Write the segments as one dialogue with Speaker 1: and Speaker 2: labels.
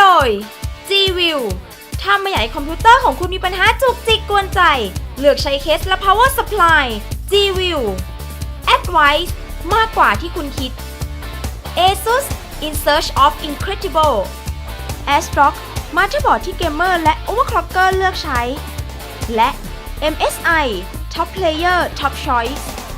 Speaker 1: ดย G-View ถ้าไม่อยากให้คอมพิวเตอร์ของคุณมีปัญหาจุกจิกกวนใจเลือกใช้เคสและ power supply G-View Advice มากกว่าที่คุณคิด ASUS In Search of Incredible ASRock มาเตอร์บอร์ดที่เกมเมอร์และ overclocker เลือกใช้ และ MSI Top Player Top Choice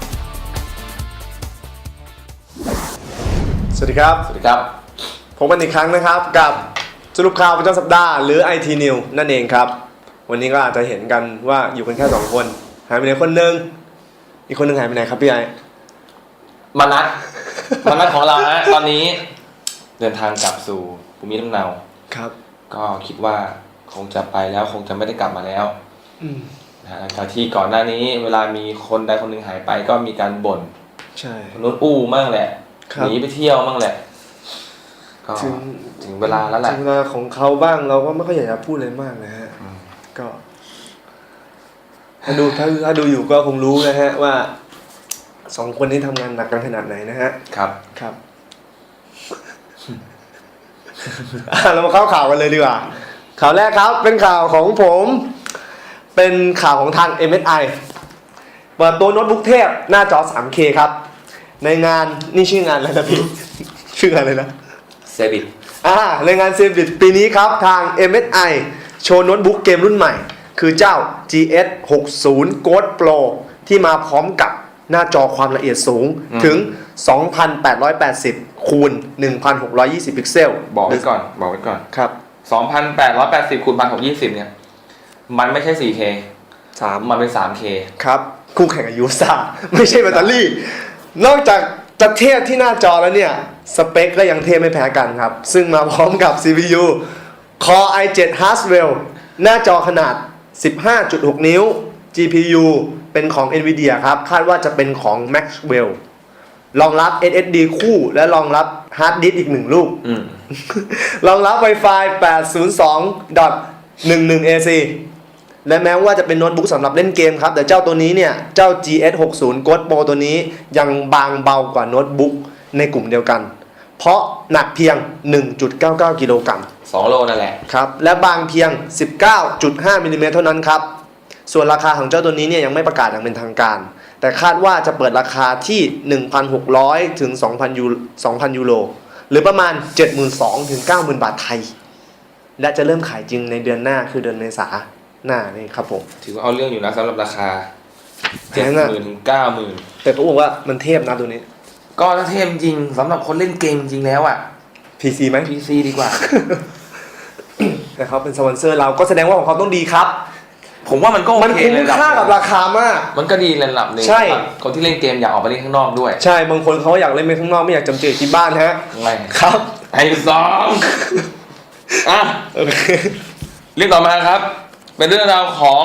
Speaker 2: สวัสดีครับ
Speaker 3: สวัสดีครับ
Speaker 2: ผมกันอีกครั้งนะครับกับสรุปข่าวประจำสัปดาห์หรือ IT News นั่นเองครับวันนี้ก็อาจจะเห็นกันว่าอยู่กันแค่2คนหายไปไหนคนหนึ่งอีกคนหนึ่งหายไปไหนครับพี่ไอ้
Speaker 3: มานัดของเราฮะตอนนี้เดินทางกลับสู่ภูมิลำเนา
Speaker 2: ครับ
Speaker 3: ก็คิดว่าคงจะไปแล้วคงจะไม่ได้กลับมาแล้วหลังจากที่ก่อนหน้านี้เวลามีคนใดคนหนึ่งหายไปก็มีการบ่น
Speaker 2: ใช่
Speaker 3: คนนู้นอู้มั่งแหละหนีไปเที่ยวมั่งแหละก็ถึงเวลาแล้วแหละ
Speaker 2: ถึงเวลาของเขาบ้างเราก็ไม่ค่อยอยากจะพูดอะไรมากนะฮะก็ถ้าดูอยู่ก็คงรู้นะฮะว่า2คนนี้ทำงานหนักกันขนาดไหนนะฮะ
Speaker 3: ครับ
Speaker 2: เรามาเข้าข่าวกันเลยดีกว่าข่าวแรกครับเป็นข่าวของผมเป็นข่าวของทาง MSI เปิดตัวโน้ตบุ๊กเทพหน้าจอ 3K ครับในงานนี่ชื่องานอะไรนะพี่ ชื่องานอะไรนะ
Speaker 3: เซบิท
Speaker 2: ในงานเซบิทปีนี้ครับทาง MSI โชว์โน้ตบุ๊กเกมรุ่นใหม่คือเจ้า GS 60 Gold Pro ที่มาพร้อมกับหน้าจอความละเอียดสูงถึง 2,880 คูณ 1,620 พิกเซล
Speaker 3: บอกไว้ก่อน
Speaker 2: ครับ
Speaker 3: 2,880 คูณ 1,620 เนี่ยมันไม่ใช่ 4K มันเป็น 3K
Speaker 2: ครับคู่แข่งกับยูซ่าไม่ใช่แบตเตอรี่นอกจากจะเทพที่หน้าจอแล้วเนี่ยสเปคก็ยังเทพไม่แพ้กันครับซึ่งมาพร้อมกับ CPU Core i7 Haswell หน้าจอขนาด 15.6 นิ้ว GPU เป็นของ Nvidia ครับคาดว่าจะเป็นของ Maxwell รองรับ SSD คู่และรองรับฮาร์ดดิสก์อีก1ลูกรองรับ Wi-Fi 802.11ac และแม้ว่าจะเป็นโน้ตบุ๊กสำหรับเล่นเกมครับแต่เจ้าตัวนี้เนี่ยเจ้า GS 60 Gold Pro ตัวนี้ยังบางเบากว่าโน้ตบุ๊กในกลุ่มเดียวกันเพราะหนักเพียง 1.99 กิโลกรัม
Speaker 3: 2 โลนั่นแหละ
Speaker 2: ครับและบางเพียง 19.5 มิลลิเมตรเท่านั้นครับส่วนราคาของเจ้าตัวนี้เนี่ยยังไม่ประกาศอย่างเป็นทางการแต่คาดว่าจะเปิดราคาที่ 1,600 ถึง 2,000 ยูโรหรือประมาณ 72,000 ถึง 90,000 บาทไทยและจะเริ่มขายจริงในเดือนหน้าคือเดือนเมษายนหน้านี่ครับผม
Speaker 3: ถือว่าเอาเรื่องอยู่นะสำหรับราคา 70,000 ถึง 90,000
Speaker 2: แต่เขาบอกว่ามันเทพนะตัวนี้
Speaker 3: ก็เทพจริงสำหรับคนเล่นเกมจริงแล้วอ่ะ
Speaker 2: PC ไหม
Speaker 3: PC ดีกว่า
Speaker 2: แต่เขาเป็นสปอนเซอร์เราก็แสดงว่าของเขาต้องดีครับ
Speaker 3: ผมว่ามันก็
Speaker 2: มันคุ้มค่ากับราคามาก
Speaker 3: มันก็ดีระดับนึงคนที่เล่นเกมอยากออกไปเล่นข้างนอกด้วย
Speaker 2: ใช่บางคนเขาอยากเล่นไปข้างนอกไม่อยากจำเจที่บ้านฮะ
Speaker 3: ไง
Speaker 2: ครับ
Speaker 3: ไอ้สองโอเคเรื่องต่อมาครับเป็นเรื่องราวของ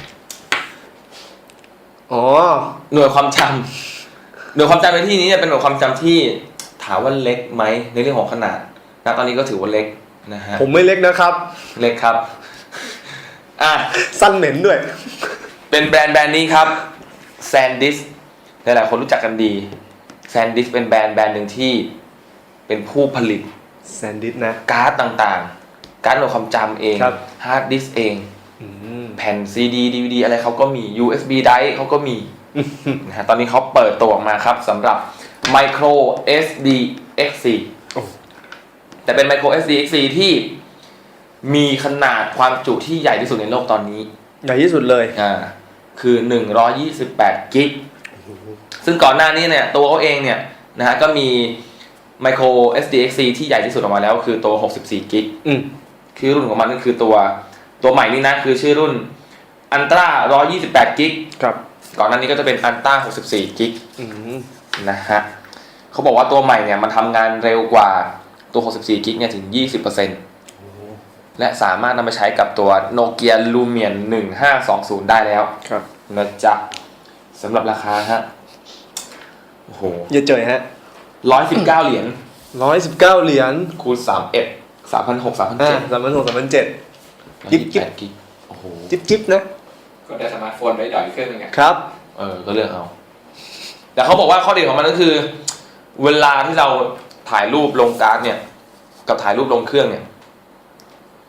Speaker 3: หน่วยความจำหน่วยความจำในที่นี้เป็นหน่วยความจำที่ถามว่าเล็กไหมในเรื่องของขนาดตอนนี้ก็ถือว่าเล็กนะฮะ
Speaker 2: ผมไม่เล็กนะครับ
Speaker 3: เล็กครับ
Speaker 2: สั้นเหม็นด้วย
Speaker 3: เป็นแบรนด์นี้ครับ SanDisk หลายๆคนรู้จักกันดี SanDisk เป็นแบรนด์หนึ่งที่เป็นผู้ผลิต
Speaker 2: SanDisk นะ
Speaker 3: การ์ดต่างๆการ์ดหน่วยความจำเองฮาร์ดดิสก์เองแผ่น CD DVD อะไรเขาก็มี USB drive เขาก็มีนะฮะตอนนี้เขาเปิดตัวออกมาครับสำหรับ Micro SD X4 แต่เป็น Micro SD X4 ที่มีขนาดความจุที่ใหญ่ที่สุดในโลกตอนนี้
Speaker 2: ใหญ่ที่สุดเลย
Speaker 3: คือ128กิกซึ่งก่อนหน้านี้เนี่ยตัวเขาเองเนี่ยนะฮะก็มี Micro SD X4 ที่ใหญ่ที่สุดออกมาแล้วคือตัว64กิกคือรุ่นของมันก็คือตัวใหม่นี่นะคือชื่อรุ่น Ultra 128กิก
Speaker 2: ครับ
Speaker 3: ก่อนหน้านี้ก็จะเป็น Ultra 64กิกนะฮะเขาบอกว่าตัวใหม่เนี่ยมันทำงานเร็วกว่าตัว64กิกเนี่ยถึง 20%และสามารถนำไปใช้กับตัว Nokia Lumia 1520ได้แล้วนะจ๊ะสำหรับราคาฮะโอ้โห
Speaker 2: เยอะเจยฮะ
Speaker 3: 119 เหรียญ
Speaker 2: 119 เหรียญ
Speaker 3: คูณ31 3,600
Speaker 2: 3,700 จิ๊บ
Speaker 3: โอ้โห
Speaker 2: จิ๊บนะ
Speaker 4: ก็ได้สมาร์ทโฟนได้ใหญ่ขึ้นไง
Speaker 2: ครับ
Speaker 3: ก็เลือกเอาแต่เขาบอกว่าข้อดีของมันก็คือเวลาที่เราถ่ายรูปลงการ์ดเนี่ยกับถ่ายรูปลงเครื่องเนี่ย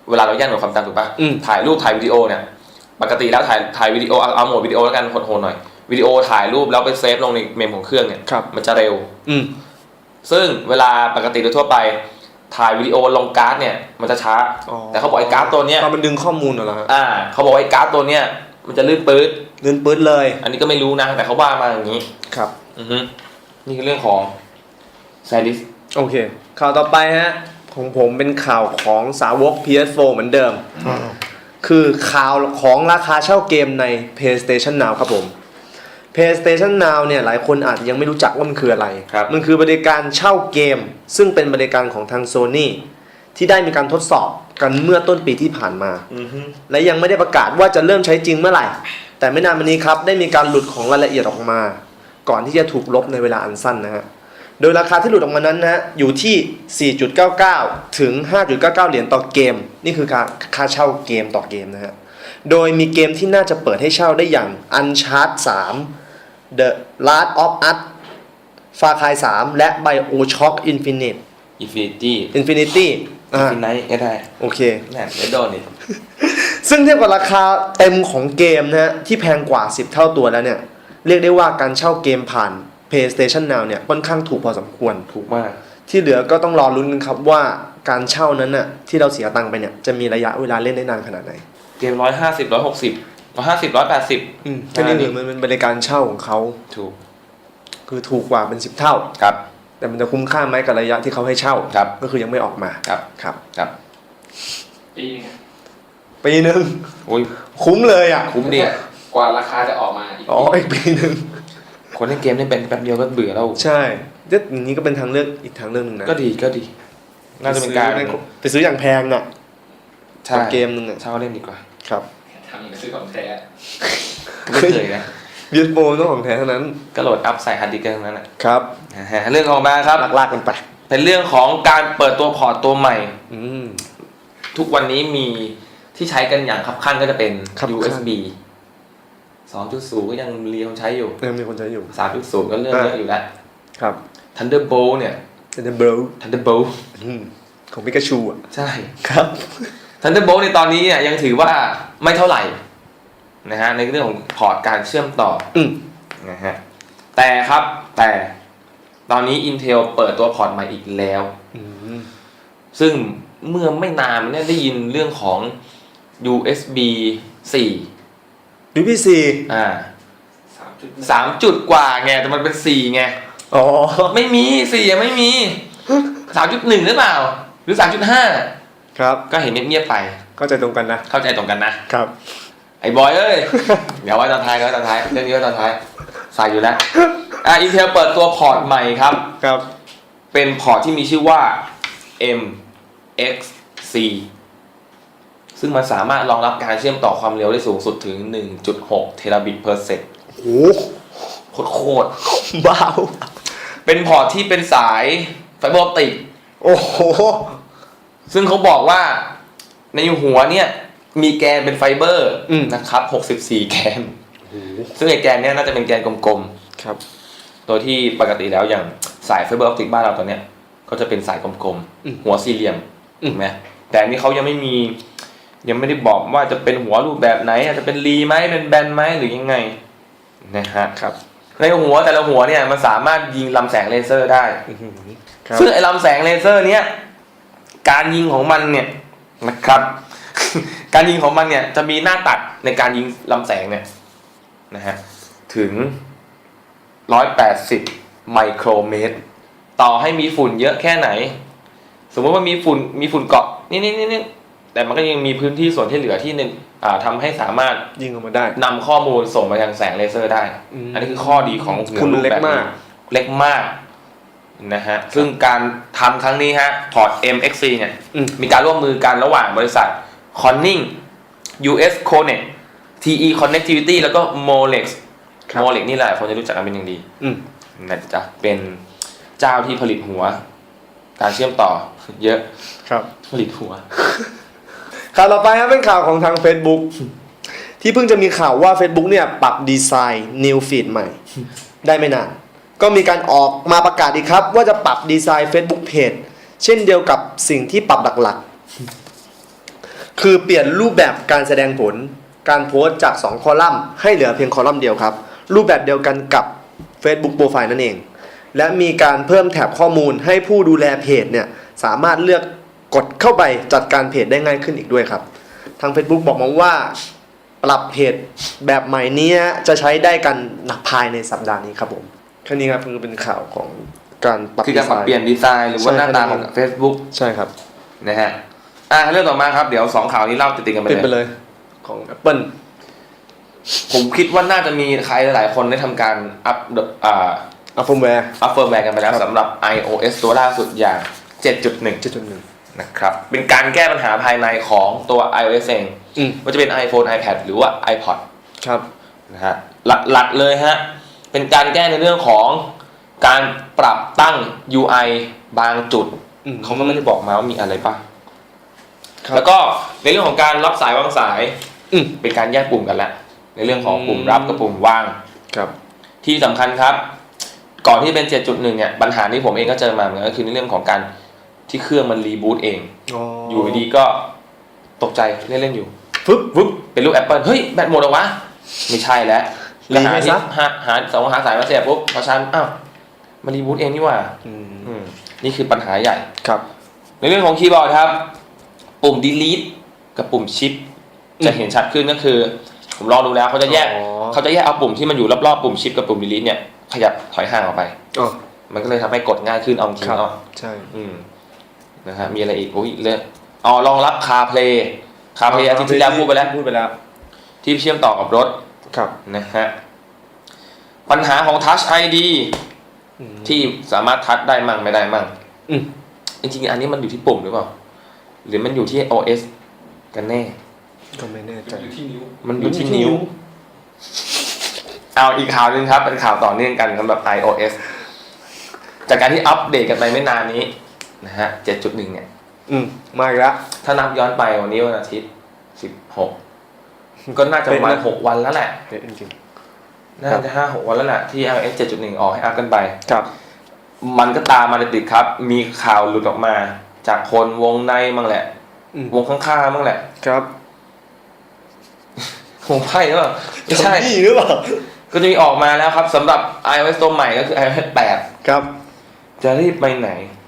Speaker 3: เวลาเราแย่งหน่วยความจำถูกป่ะ ถ่ายรูปถ่ายวิดีโอเนี่ยปกติแล้วถ่ายวิดีโอเอาโหมดวิดีโอแล้วกันโหดๆหน่อยวิดีโอถ่ายรูปแล้วไปเซฟลงในเมมของเครื่องเนี่ยมันจะเร็วซึ่งเวลาปกติโดยทั่วไปถ่ายวิดีโอลงการ์ดเนี่ยมันจะช้าแต่เขาบอกไอ้การ์ดตัวเนี้ย
Speaker 2: มันดึงข้อมูลเหรอฮะ
Speaker 3: เขาบอกไอ้การ์ดตัวเนี้ยมันจะลื่นปื๊ด
Speaker 2: เลย
Speaker 3: อันนี้ก็ไม่รู้นะแต่เขาว่ามาอย่างนี้
Speaker 2: ครับ
Speaker 3: นี่คือเรื่องของไซดิส
Speaker 2: โอเคข่าวต่อไปฮะของผมเป็นข่าวของสาวก PS4 เหมือนเดิมคือข่าวของราคาเช่าเกมใน PlayStation Now ครับผม PlayStation Now เนี่ยหลายคนอาจจะยังไม่รู้จักว่ามันคืออะไรมันคือบริการเช่าเกมซึ่งเป็นบริการของทาง Sony ที่ได้มีการทดสอบกันเมื่อต้นปีที่ผ่านมาและยังไม่ได้ประกาศว่าจะเริ่มใช้จริงเมื่อไหร่แต่ไม่นานมานี้ครับได้มีการหลุดของรายละเอียดออกมาก่อนที่จะถูกลบในเวลาอันสั้นนะฮะโดยราคาที่หลุดออกมานั้นนะฮะอยู่ที่ 4.99 ถึง 5.99 เหรียญต่อเกมนี่คือค่าเช่าเกมต่อเกมนะฮะโดยมีเกมที่น่าจะเปิดให้เช่าได้อย่าง Uncharted 3 The Last of Us Far Cry 3 และ BioShock Infinite
Speaker 3: Infinity ก็ได้
Speaker 2: โอเค
Speaker 3: แหม่ไม่โดนนี่
Speaker 2: ซึ่งเทียบกับราคาเต็มของเกมนะฮะที่แพงกว่า 10 เท่าตัวแล้วเนี่ยเรียกได้ว่าการเช่าเกมผ่าน PlayStation Now เนี่ยค่อนข้างถูกพอสมควร
Speaker 3: ถูกมาก
Speaker 2: ที่เหลือก็ต้องรอลุ้นกันครับว่าการเช่านั้นน่ะที่เราเสียตังค์ไปเนี่ยจะมีระยะเวลาเล่นได้นานขนาดไหน
Speaker 3: เกม150 160 150 180
Speaker 2: แค่นี้นี่มันเป็นบริการเช่าของเขา
Speaker 3: ถูก
Speaker 2: คือถูกกว่าเป็น10เท่า
Speaker 3: ครับ
Speaker 2: แต่มันจะคุ้มค่าไหมกับระยะที่เขาให้เช่าก็คือยังไม่ออกมา
Speaker 3: ครับ
Speaker 2: ปีนึง
Speaker 3: โอ้ย
Speaker 2: คุ้มเลยอ่ะ
Speaker 3: คุ้มดี
Speaker 4: กว่าราคาจะออกมา
Speaker 2: อีกปีนึง
Speaker 3: คนเล่นเกมนี่เป็นแป๊บเดียวก็เบื่อแล้ว
Speaker 2: ใช่อย่างนี้ก็เป็นทางเลือกอีกทางเลือกนึงนะ
Speaker 3: ก็ดีน่าจะเป็นการ
Speaker 2: ไปซื้ออย่างแพงอ่ะ
Speaker 3: ใช่
Speaker 2: เกมนึงอ่ะ
Speaker 3: เช่าเล่นดีกว่า
Speaker 2: ครับ
Speaker 4: ทำอย่างซื้อของแท้
Speaker 3: ไม่เคยนะ
Speaker 2: เบียร์โบต้องของแท้เท่านั้น
Speaker 3: ก็โหลดอัพใส่ฮาร์ดดิสก์ทั้งนั้นแหละ
Speaker 2: ครับ
Speaker 3: เรื่องของมาครับ
Speaker 2: ลากกันไป
Speaker 3: เป็นเรื่องของการเปิดตัวพอร์ตตัวใหม่ทุกวันนี้มีที่ใช้กันอย่างคับคั่นก็จะเป็น USB 2.0 ก็ยังมีคนใช้อยู่
Speaker 2: ยังมีคนใช้อยู่
Speaker 3: 3.0 ก็เรื่องเยอะอยู่แล้ว
Speaker 2: ครับ
Speaker 3: Thunderbolt เนี่ย Thunderbolt
Speaker 2: ของปิกาชูอ่ะ
Speaker 3: ใช่
Speaker 2: ครับ
Speaker 3: Thunderbolt ในตอนนี้เนี่ยยังถือว่าไม่เท่าไหร่นะฮะในเรื่องของพอร์ตการเชื่อมต่อนะฮะแต่ตอนนี้ Intel เปิดตัวพอร์ตใหม่อีกแล้วซึ่งเมื่อไม่นานเนี่ยได้ยินเรื่องของ USB 4
Speaker 2: USB
Speaker 3: 3 จุดกว่าไงแต่มันเป็น4ไงไม่มี4ยังไม่มี 3.1 หรือเปล่าหรือ 3.5
Speaker 2: ครับ
Speaker 3: ก็เห็นเงียบๆไป
Speaker 2: เข้าใจตรงกัน
Speaker 3: นะครับไอ้บอยเอ้ยเดี๋ยวไว้ตอนท้ายเรื่องนี้ไว้ตอนท้ายใส่อยู่แล้วIntel เปิดตัวพอร์ตใหม่ครับเป็นพอร์ตที่มีชื่อว่า MXC ซึ่งมันสามารถรองรับการเชื่อมต่อความเร็วได้สูงสุดถึง 1.6 เทราบิตเพอร์เซกน์
Speaker 2: โอ้
Speaker 3: โคตร
Speaker 2: บ้า
Speaker 3: เป็นพอร์ตที่เป็นสายไฟเบอร์ออปติก
Speaker 2: โอ้โห
Speaker 3: ซึ่งเขาบอกว่าในหัวเนี่ยมีแกนเป็นไฟเบอร์นะครับ64แกนซึ่งไอ้แกนเนี่ยน่าจะเป็นแกนกลม
Speaker 2: ๆครับ
Speaker 3: โดยที่ปกติแล้วอย่างสายไฟเบอร์ออปติกบ้านเราตอนเนี้ยก็จะเป็นสายกลมๆหัวสี่เหลี่ยมถูกไหมแต่อันนี้เขายังไม่ได้บอกว่าจะเป็นหัวรูปแบบไหนอาจจะเป็นรีไหมเป็นแบนไหมหรือยังไงนะฮะ
Speaker 2: ครับ
Speaker 3: ในหัวแต่ละหัวเนี่ยมันสามารถยิงลำแสงเลเซอร์ได้ซึ่งไอ้ลำแสงเลเซอร์เนี้ยการยิงของมันเนี่ยนะครับการยิงของมันเนี่ยจะมีหน้าตัดในการยิงลำแสงเนี่ยนะฮะถึง180ไมโครเมตรต่อให้มีฝุ่นเยอะแค่ไหนสมมติว่ามีฝุ่นเกาะนี่แต่มันก็ยังมีพื้นที่ส่วนที่เหลือที่นึงทำให้สามารถ
Speaker 2: ยิงออกมาได้
Speaker 3: นำข้อมูลส่งไปทางแสงเลเซอร์ได้อันนี้คือข้อดีของหัวรูปแบบนี้เล็กมากนะฮะซึ่งการทำครั้งนี้ฮะพอร์ต MXC เนี่ยมีการร่วมมือกันระหว่างบริษัท Corning US Connect TE Connectivity แล้วก็ Molex นี่แหละคนจะรู้จักกันเป็นอย่างดีนะจ๊ะเป็นเจ้าที่ผลิตหัวการเชื่อมต่อเยอะ
Speaker 2: ครับ
Speaker 3: ผลิตหัว
Speaker 2: ข่าวต่อไปครับเป็นข่าวของทาง Facebook ที่เพิ่งจะมีข่าวว่า Facebook เนี่ยปรับดีไซน์ New Feed ใหม่ได้ไม่นานก็มีการออกมาประกาศอีกครับว่าจะปรับดีไซน์ Facebook Page เช่นเดียวกับสิ่งที่ปรับหลักๆคือเปลี่ยนรูปแบบการแสดงผลการโพสต์จาก2คอลัมน์ให้เหลือเพียงคอลัมน์เดียวครับรูปแบบเดียวกันกับ Facebook Profile นั่นเองและมีการเพิ่มแถบข้อมูลให้ผู้ดูแลเพจเนี่ยสามารถเลือกกดเข้าไปจัดการเพจได้ง่ายขึ้นอีกด้วยครับทาง Facebook บอกมาว่าปรับเพจแบบใหม่นี้จะใช้ได้กันภายในสัปดาห์นี้ครับผมแค่นี้ครับคือเป็นข่าวของการปรับ
Speaker 3: คือการปรับเปลี่ยนดีไซน์หรือว่าหน้าตาของ Facebook
Speaker 2: ใช่ครับ
Speaker 3: นะฮะเรื่องต่อมาครับเดี๋ยว2ข่าวนี้เล่าติดๆกันไป
Speaker 2: เป็นไป
Speaker 3: เลย
Speaker 2: เลยของ Apple
Speaker 3: ผมคิดว่าน่าจะมีใครหลายๆคนได้ทำการอัพ
Speaker 2: อัพเฟิร์มแวร์
Speaker 3: เฟิร์มแวร์กันไปแล้ว
Speaker 2: ครับ
Speaker 3: สำหรับ iOS ตัวล่าสุดอย่าง 7.1
Speaker 2: 7.1
Speaker 3: นะครับเป็นการแก้ปัญหาภายในของตัว iOS เองว่าจะเป็น iPhone iPad หรือว่า iPod
Speaker 2: ครับ
Speaker 3: นะฮะหลักๆเลยฮะเป็นการแก้ในเรื่องของการปรับตั้ง UI บางจุดเขาก็ไม่ได้บอกมาว่ามีอะไรป่ะแล้วก็ในเรื่องของการรับสายวางสายเป็นการแยกปุ่มกันแล้วในเรื่องของปุ่มรับกับปุ่มว่าง
Speaker 2: ครับ
Speaker 3: ที่สำคัญครับก่อนที่จะเป็น 7.1 เนี่ยปัญหาที่ผมเองก็เจอมาเหมือนกันก็คือในเรื่องของการที่เครื่องมันรีบูตเองอยู่ดีก็ตกใจเล่นๆอยู่ฟึบเป็นรูป Apple เฮ้ยแบตหมดเหรอวะไม่ใช่แล้วหาสายมาเสียบปุ๊บพอชันอ้าวมันรีบูตเองนี่หว่านี่คือปัญหาใหญ่
Speaker 2: ครับ
Speaker 3: ในเรื่องของคีย์บอร์ดครับปุ่ม delete กับปุ่ม shift จะเห็นชัดขึ้นก็คือผมลองดูแล้วเขาจะแยกเอาปุ่มที่มันอยู่รอบๆปุ่ม shift กับปุ่ม delete เนี่ยขยับถอยห่างออกไปมันก็เลยทำให้กดง่ายขึ้นเอาจริงเนาะ
Speaker 2: ใช่
Speaker 3: นะฮะมีอะไรอีกเรื่องรองรับ CarPlay อาทิตย์ที่แล้วพูดไปแล้วที่เชื่อมต่อกับรถ
Speaker 2: ครับ
Speaker 3: นะฮะปัญหาของ Touch ID ที่สามารถทัชได้มั่งไม่ได้มั่งจริงๆอันนี้มันอยู่ที่ปุ่มหรือเปล่าหรือมันอยู่ที่ OS กันแน่
Speaker 2: ก็ไม่แน่ใจ
Speaker 3: มันอยู่ที่นิ้วเอาอีกข่าวนึงครับเป็นข่าวต่อเนื่องกันสำหรับ iOS จากการที่อัปเดตกันไปไม่นานนี้นะฮะ 7.1 เนี่ย
Speaker 2: มาอีกแล้ว
Speaker 3: ถ้านับย้อนไปวันนี้วันอาทิตย์ 16 ก็น่าจะประมาณ6 วันแล้วแหละ
Speaker 2: จริง
Speaker 3: ๆน่าจะ 5-6 วันแล้วแหละที่ iOS 7.1 ออกให้อัพกันไป
Speaker 2: ครับ
Speaker 3: มันก็ตามมาติดๆครับมีข่าวหลุดออกมาจากคนวงในมั่งแหละวงข้างๆมั่งแหละ
Speaker 2: ครับ
Speaker 3: วงไพ่หรือเปล่าไม่ใช่
Speaker 2: หรือเปล่า
Speaker 3: ก็จะมีออกมาแล้วครับสำหรับ iOS ตัวใหม่ก็คือ iOS 8
Speaker 2: ครับ
Speaker 3: จะรีบไปไหน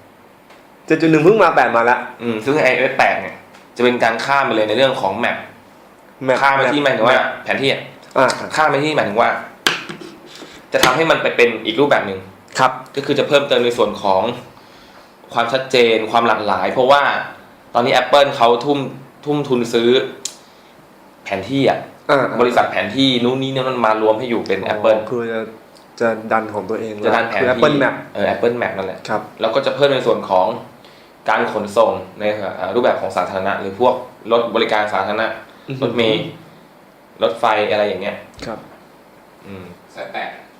Speaker 2: 7.1 เพิ่งมา8มาแล้ว
Speaker 3: ซึ่ง iOS 8เนี่ยจะเป็นการข้ามไปเลยในเรื่องของแมปข้ามไปที่หมายถึงว่าแผนที่ข้ามไปที่หมายถึงว่าจะทำให้มันไปเป็นอีกรูปแบบหนึ่ง
Speaker 2: ครับ
Speaker 3: ก็คือจะเพิ่มเติมในส่วนของความชัดเจนความหลากหลายเพราะว่าตอนนี้ Apple เขาทุ่มทุนซื้อแผนที่บริษัทแผนที่นู้นนี้เนี่ยมันมารวมให้อยู่เป็น Apple
Speaker 2: คือจะดันของตัวเอง
Speaker 3: จะดันแผนที่
Speaker 2: Apple Map
Speaker 3: Apple Map นั่นแหละ
Speaker 2: ครับ
Speaker 3: แล้วก็จะเพิ่มในส่วนของการขนส่งในรูปแบบของสาธารณะหรือพวกรถบริการสาธารณะรถเมล์รถไฟอะไรอย่างเงี้ย
Speaker 2: ครับ
Speaker 4: สาย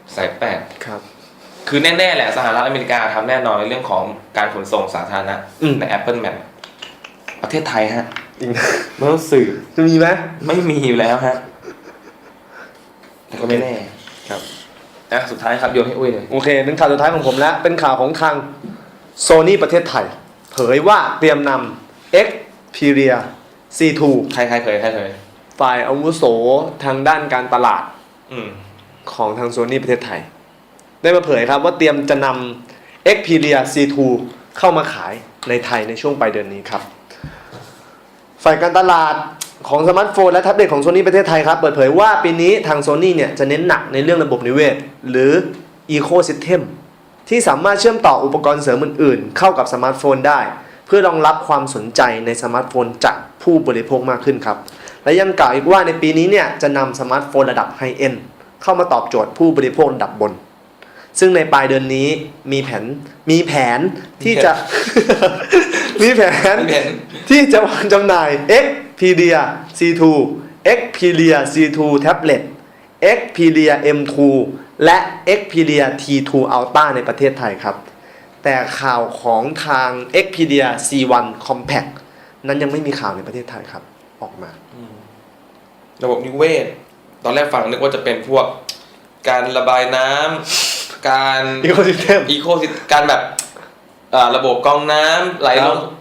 Speaker 3: 8ครับคือแน่ๆแหละสหรัฐอเมริกาทำแน่นอนในเรื่องของการขนส่งสาธารณะใน Apple Map ประเทศไทยฮะเมื่อสื่อ
Speaker 2: จะมีไหม
Speaker 3: ไม่มีอยู่แล้วฮะแต่ก็ไม่แน่ครับสุดท้ายครับโยนให้อุ้ยเลย
Speaker 2: โอเคเป็นข่าวสุดท้ายของผมแล้วเป็นข่าวของทาง Sony ประเทศไทยเผยว่าเตรียมนำ Xperia C2
Speaker 3: ใครเผย
Speaker 2: ฝ่ายอาวุโสทางด้านการตลาดของทาง Sony ประเทศไทยได้มาเผยครับว่าเตรียมจะนำ Xperia C2 เข้ามาขายในไทยในช่วงปลายเดือนนี้ครับฝ่ายการตลาดของสมาร์ทโฟนและแท็บเล็ตของ Sony ประเทศไทยครับเปิดเผยว่าปีนี้ทาง Sony เนี่ยจะเน้นหนักในเรื่องระบบนิเวศหรือ Ecosystem ที่สามารถเชื่อมต่ออุปกรณ์เสริมอื่นๆเข้ากับสมาร์ทโฟนได้เพื่อรองรับความสนใจในสมาร์ทโฟนจากผู้บริโภคมากขึ้นครับและยังกล่าวอีกว่าในปีนี้เนี่ยจะนำสมาร์ทโฟนระดับไฮเอ็นด์เข้ามาตอบโจทย์ผู้บริโภคระดับบนซึ่งในปลายเดือนนี้มีแผนที่จะ มีแผนที่จะวางจำหน่าย Xperia C2 Xperia C2 Tablet Xperia M2 และ Xperia T2 Ultra ในประเทศไทยครับแต่ข่าวของทาง Xperia C1 Compact นั้นยังไม่มีข่าวในประเทศไทยครับออกมา
Speaker 3: ระบบนิเวศตอนแรกฟังนึกว่าจะเป็นพวกการระบายน้ำการ
Speaker 2: Ecosystem
Speaker 3: การแบบระบบกรองน้ำไหลลงมัน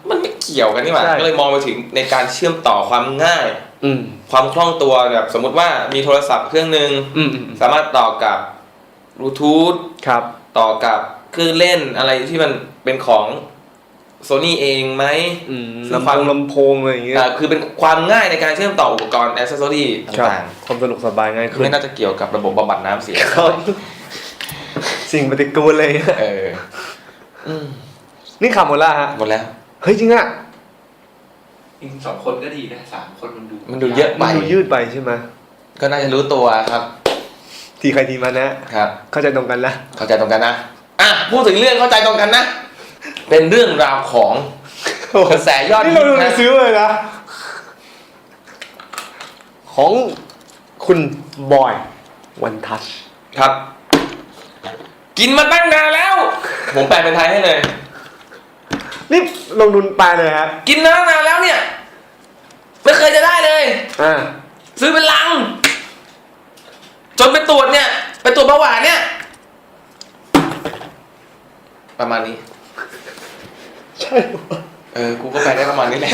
Speaker 3: เกี่ยวกันนี่หว่า
Speaker 2: ใช่
Speaker 3: ก็เลยมองไปถึงในการเชื่อมต่อความง่าย
Speaker 2: อืม
Speaker 3: ความคล่องตัวแบบสมมุติว่ามีโทรศัพท์เครื่องหนึ่ง
Speaker 2: อืม
Speaker 3: สามารถต่อกับบลูทูธ
Speaker 2: ครับ
Speaker 3: ต่อกับเครื่องเล่นอะไรที่มันเป็นของโซนี่เองไหม ซึ่ง
Speaker 2: ลำโพงอะไรอย่างเงี้ย
Speaker 3: คือเป็นความง่ายในการเชื่อมต่ออุปกรณ์แอคเซสซอรี่
Speaker 2: ครับ
Speaker 3: ต่าง
Speaker 2: ความสะดวกสบายง่าย
Speaker 3: ๆ
Speaker 2: ขึ้น
Speaker 3: ไม่น่าจะเกี่ยวกับระบบบำบัดน้ำเสีย
Speaker 2: ครับสิ่งปฏิกูลเลย
Speaker 3: เอออืม
Speaker 2: นี่ข่าวหมดแล้วฮะ
Speaker 3: หมดแล้ว
Speaker 2: เฮ้ยจริงอะ
Speaker 4: จริงๆ2 คนก็ดีนะ3 คนมันดู
Speaker 3: มันดูเยอะ
Speaker 2: มันดูยืดไปใช่ไหม
Speaker 3: ก็น่าจะรู้ตัวครับ
Speaker 2: ทีใครทีมันนะครับ เข้าใจตรงกันนะ
Speaker 3: เข้าใจตรงกันนะอ่ะพูดถึงเรื่องเข้าใจตรงกันนะ เป็นเรื่องราวของกระแสยอด
Speaker 2: นี่
Speaker 3: ฮิ
Speaker 2: เรา
Speaker 3: ต
Speaker 2: ดูใน
Speaker 3: นะ
Speaker 2: ซื้อเลยนะ ของคุณบอยวันทัช
Speaker 3: ครับ กินมาตั้งนานแล้ว ผมแปลเป็นไทยให้เลย
Speaker 2: นี่ลงทุนแปลเลยฮะ
Speaker 3: กินมาตั้งนานแล้วเนี่ย ไม่เคยจะได้เลย
Speaker 2: อ่า
Speaker 3: ซื้อเป็นลัง จนไปตรวจเนี่ยไปตรวจเบาหวานเนี่ย ประมาณนี้
Speaker 2: ใช่ปะ
Speaker 3: กูก็แปลได้ประมาณนี้แหละ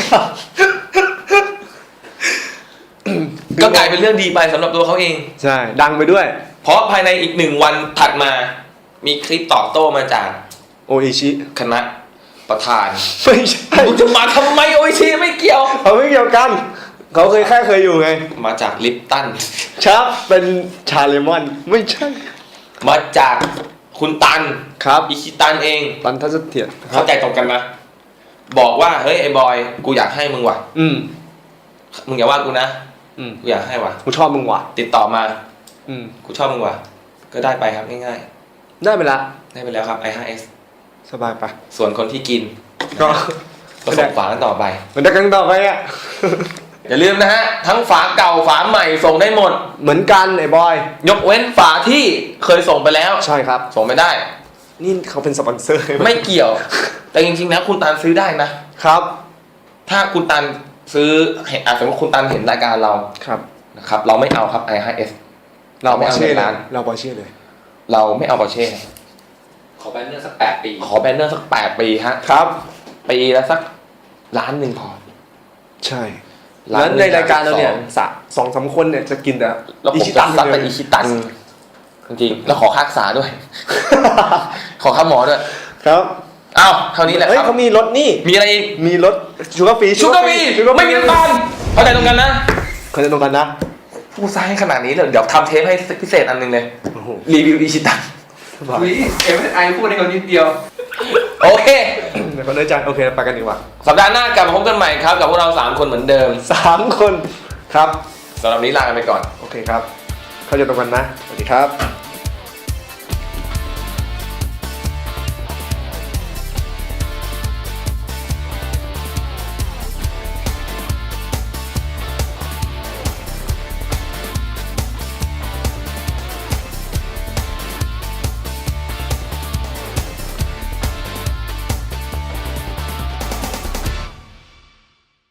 Speaker 3: ก็กลายเป็นเรื่องดีไปสำหรับตัวเขาเอง
Speaker 2: ใช่ ดังไปด้วย
Speaker 3: เพราะภายในอีก1 วันถัดมา มีคลิปตอบโต้มาจาก
Speaker 2: โออิชิ
Speaker 3: คณะประธาน
Speaker 2: ไม่ใช่
Speaker 3: มึงจะมาทำไมโออิชิไม่เกี่ยว
Speaker 2: เขาไม่เกี่ยวกัน เขาเคยอยู่ไง
Speaker 3: มาจากลิปตัน
Speaker 2: ชับเป็นชาเลมอน ไม่ใช่
Speaker 3: มาจากคุณตัน
Speaker 2: ครับ
Speaker 3: อิชิตันเอง
Speaker 2: ปันทัศเถียร
Speaker 3: เข้าใจตรงกันนะ บอกว่าเฮ้ยไอ้บอย กูอยากให้มึงว่ะ
Speaker 2: อืม
Speaker 3: มึงอย่าว่ากูนะ
Speaker 2: อืม
Speaker 3: กูอยากให้ว่ะ
Speaker 2: กูชอบมึงว่ะ
Speaker 3: ติดต่อมา
Speaker 2: อืม
Speaker 3: กูชอบมึงว่ะ ก็ได้ไปครับง่าย
Speaker 2: ได้ไปละ
Speaker 3: ๆ ได้ไปแล้วครับ i5s
Speaker 2: สบายปะ
Speaker 3: ส่วนคนที่กิน
Speaker 2: ก็
Speaker 3: ก็ส่งฝากันต่อไป
Speaker 2: มันจะกันต่อไปอ่ะ
Speaker 3: อย่าลืมนะฮะ ทั้งฝาเก่าฝาใหม่ส่งได้หมด
Speaker 2: เหมือนกันไอ้บอย
Speaker 3: ยกเว้นฝาที่เคยส่งไปแล้ว
Speaker 2: ใช่ครับ
Speaker 3: ส่งไม่ได้
Speaker 2: นี่เขาเป็นสปอนเซอร์
Speaker 3: ไม่เกี่ยว แต่จริงๆแล้วคุณตันซื้อได้นะ
Speaker 2: ครับ
Speaker 3: ถ้าคุณตันซื้อสมมติคุณตันเห็นรายการเรา
Speaker 2: ครับ
Speaker 3: นะครับ เราไม่เอาครับ i5s
Speaker 2: เราบอเช่
Speaker 3: ไม่เอาใน
Speaker 2: เลย
Speaker 3: ร้าน
Speaker 2: เราบอเช่เลย
Speaker 3: เราไม่เอาปอร์เช่
Speaker 4: ขอแบนเนอร์สัก8 ปี
Speaker 3: ขอแบนเนอร์สัก8 ปีฮะ
Speaker 2: ครับ
Speaker 3: ปีละสักล้านหนึ่งพอ
Speaker 2: ใช่
Speaker 3: ร้าน
Speaker 2: แล้วในรายการเราเนี่ย
Speaker 3: สอง
Speaker 2: สามคนเนี่ยจะกินแต่
Speaker 3: แล้วผมจะซัดไปอิชิตัน จริงๆ แล้วขอค่ารักษาด้วย ขอค่าหมอด้วย
Speaker 2: ครับ
Speaker 3: อ้าวเท่านี้แหละ
Speaker 2: เฮ้ย
Speaker 3: ครับ
Speaker 2: เขามีรถนี่
Speaker 3: มีอะไรอีก
Speaker 2: มีรถชูการ์ฟรี
Speaker 3: ชูการ์บีไม่มีน้ำตาลเข้าใจตรงกันนะ
Speaker 2: เขาจะตรงกันนะ
Speaker 3: พูดซะให้ขนาดนี้เลยเดี๋ยวทำเทปให้พิเศษอันหนึงเลย
Speaker 2: โอ้โห
Speaker 3: รีวิวอิชิตัน
Speaker 2: สบาย
Speaker 4: อุ้ยMSI พูดให้เขานิดเดียว
Speaker 3: โอเค
Speaker 2: เดี๋ยวเขาเนื้อใจโอเคไปกันดีกว่า
Speaker 3: สัปดาห์หน้ากลับมาพบกันใหม่ครับ กับพวกเรา 3 คนเหมือนเดิม
Speaker 2: 3 คนครับ
Speaker 3: สำหรับนี้ลากันไปก่อน
Speaker 2: โอเคครับ เขาจะตรงกันนะ สวัสดีครับ